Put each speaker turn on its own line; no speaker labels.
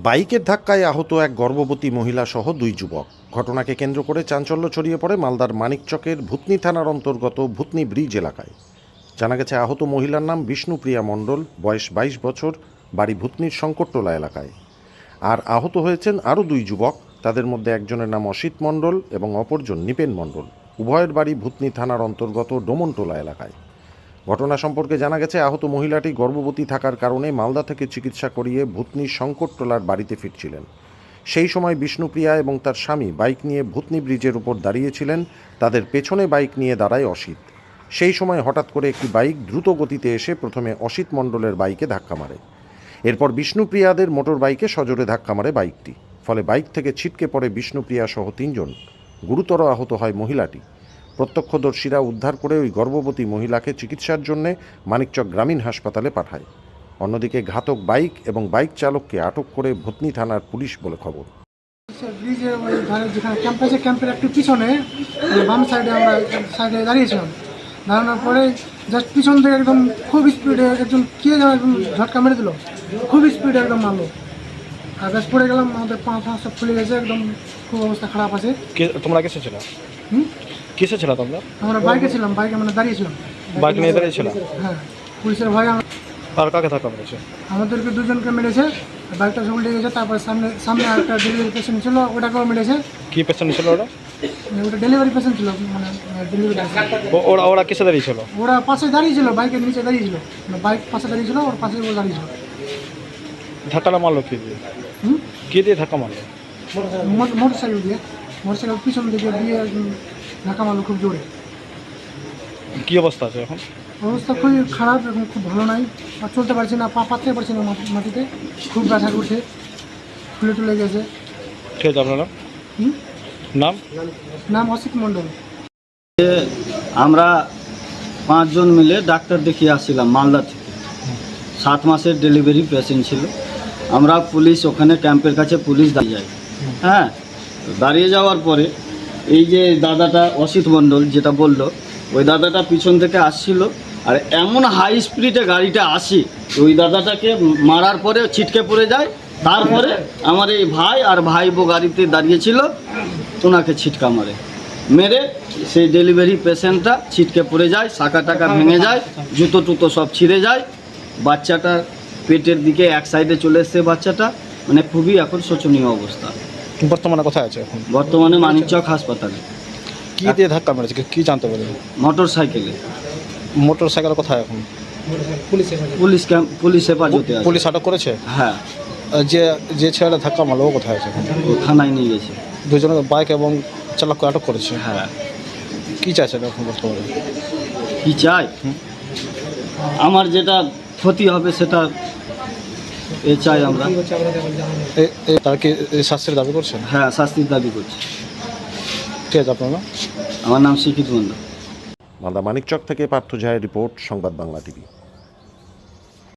বাইকের ধাক্কায় আহত এক গর্ভবতী মহিলা সহ দুই যুবক। ঘটনাকে কেন্দ্র করে চাঞ্চল্য ছড়িয়ে পড়ে মালদার মানিকচকের ভূতনি থানার অন্তর্গত ভূতনি ব্রিজ এলাকায়। জানা গেছে আহত মহিলার নাম বিষ্ণুপ্রিয়া মণ্ডল, বয়স 22 বছর, বাড়ি ভূতনির শঙ্করটোলা এলাকায়। আর আহত হয়েছেন আরও দুই যুবক। তাদের মধ্যে একজনের নাম অসিত মণ্ডল এবং অপরজন নিপেন মণ্ডল। উভয়ের বাড়ি ভূতনি থানার অন্তর্গত ডোমনটোলা এলাকায়। ঘটনা সম্পর্কে জানা গেছে আহত মহিলাটি গর্ভবতী থাকার কারণে মালদা থেকে চিকিৎসা করিয়ে ভূতনির শঙ্করটোলার বাড়িতে ফিরছিলেন। সেই সময় বিষ্ণুপ্রিয়া এবং তার স্বামী বাইক নিয়ে ভূতনি ব্রিজের উপর দাঁড়িয়েছিলেন। তাদের পেছনে বাইক নিয়ে দাঁড়ায় অসিত। সেই সময় হঠাৎ করে একটি বাইক দ্রুত গতিতে এসে প্রথমে অসিত মণ্ডলের বাইকে ধাক্কা মারে। এরপর বিষ্ণুপ্রিয়াদের মোটর বাইকে সজোরে ধাক্কা মারে বাইকটি। ফলে বাইক থেকে ছিটকে পড়ে বিষ্ণুপ্রিয়া সহ তিনজন। গুরুতর আহত হয় মহিলাটি। প্রত্যক্ষদর্শীরা উদ্ধার করে ওই গর্ভবতী মহিলাকে চিকিৎসার জন্য মানিকচক গ্রামীণ হাসপাতালে পাঠায়। অন্যদিকে ঘাতক বাইক এবং বাইক চালককে আটক করে ভূতনি থানার পুলিশ বলে খবর।
ব্রিজের ওই ধারে যেখানে ক্যাম্প আছে, ক্যাম্পের একটু পিছনে বাম সাইডে আমরা সাইডে দাঁড়িয়েছিলাম। দাঁড়ানোর পরে জাস্ট পিছন থেকে একদম খুব স্পিডে একজন কে যেন একদম ঝটকা মেরে দিল, খুব স্পিডে একদম মারলো। আর ব্যাস পড়ে গেলাম, আমাদের পা সব ফুলে গেছে, একদম খুব অবস্থা খারাপ আছে।
তোমরা কিসে ছিল? কিসে ছিল তোমরা?
আমরা বাইকে ছিলাম, বাইকে মানে দাঁড়িয়েছিলাম।
বাইক নিয়ে দাঁড়িয়েছিল?
হ্যাঁ, পুলিশের ভয়ে
আর কাকে ধাক্কা মেরেছে?
আমাদেরকে দুজনকে মেরেছে, বাইকটা সব উল্টে গেছে। তারপর সামনে আরেকটা ডেলিভারি পেশেন্ট ছিল, ওটাকেও মেরেছে।
কি পেশেন্ট ছিল ওটা?
ওটা ডেলিভারি পেশেন্ট ছিল, মানে ডেলিভারি পেশেন্ট।
ওরা কিসে দাঁড়িয়েছিল?
ওরা পাশে দাঁড়িয়েছিল, বাইকের নিচে দাঁড়িয়েছিল, বাইক পাশে দাঁড়িয়েছিল, ওর পাশে ও দাঁড়িয়েছিল।
ধাক্কাটা মারলো কি দিয়ে? কি দিয়ে ধাক্কা মারলো?
মোটরসাইকেল দিয়ে, মোটরসাইকেল পিছন দিকে দিয়ে ধাক্কা মারলো খুব জোরে।
কি অবস্থা আছে এখন?
অবস্থা খুবই খারাপ, এখন খুব ভালো নাই। আর চলতে পারছি না, পা পাততে পারছি না মাটিতে, খুব ব্যথা করছে, ফুলে টুলে গেছে।
ঠিক আছে, আপনার নাম?
নাম অসিত মণ্ডল।
আমরা 5 জন মিলে ডাক্তার দেখিয়ে আসছিলাম মালদা থেকে। 7 মাসের ডেলিভারি পেশেন্ট ছিল। আমরা পুলিশ ওখানে ক্যাম্পের কাছে পুলিশ দাঁড়িয়ে যাই। হ্যাঁ, দাঁড়িয়ে যাওয়ার পরে এই যে দাদাটা অসিত মণ্ডল যেটা বললো, ওই দাদাটা পিছন থেকে আসছিল। আর এমন হাই স্পিডে গাড়িটা আসে, ওই দাদাটাকে মারার পরে ছিটকে পড়ে যায়। তারপরে আমার এই ভাই আর ভাইবো গাড়িতে দাঁড়িয়েছিল, ওনাকে ছিটকা মেরে সেই ডেলিভারি পেশেন্টটা ছিটকে পড়ে যায়, শাখা টাকা ভেঙে যায়, জুতো টুতো সব ছিঁড়ে যায়। বাচ্চাটা পেটের দিকে এক সাইডে চলে এসছে বাচ্চাটা, মানে খুবই এখন শোচনীয় অবস্থা।
বর্তমানে কোথায় আছে এখন?
বর্তমানে মানিকচক হাসপাতালে।
কি দিয়ে ধাক্কা মেরেছে কি জানতে পারেন?
মোটর সাইকেলে।
মোটর সাইকেল কোথায় এখন?
পুলিশ হেফাজতে আছে।
পুলিশ আটক করেছে?
হ্যাঁ।
যে ছেলেটা ধাক্কা মারলো ও কোথায় আছে?
ও থানায় নিয়ে গেছে।
দুজনে বাইক এবং চালককে আটক করেছে।
হ্যাঁ।
কি চাইছেন এখন বর্তমানে?
কি চাই? আমার যেটা ক্ষতি হবে সেটা চাই আমরা।
তারা কি শাস্তির দাবি করছেন?
হ্যাঁ, শাস্তির দাবি করছি।
ঠিক আছে, আপনার নাম?
আমার নাম শিক্ষিত মণ্ডল।
মালদা মানিকচক থেকে পার্থ ঝায়ের রিপোর্ট, সংবাদ বাংলা টিভি।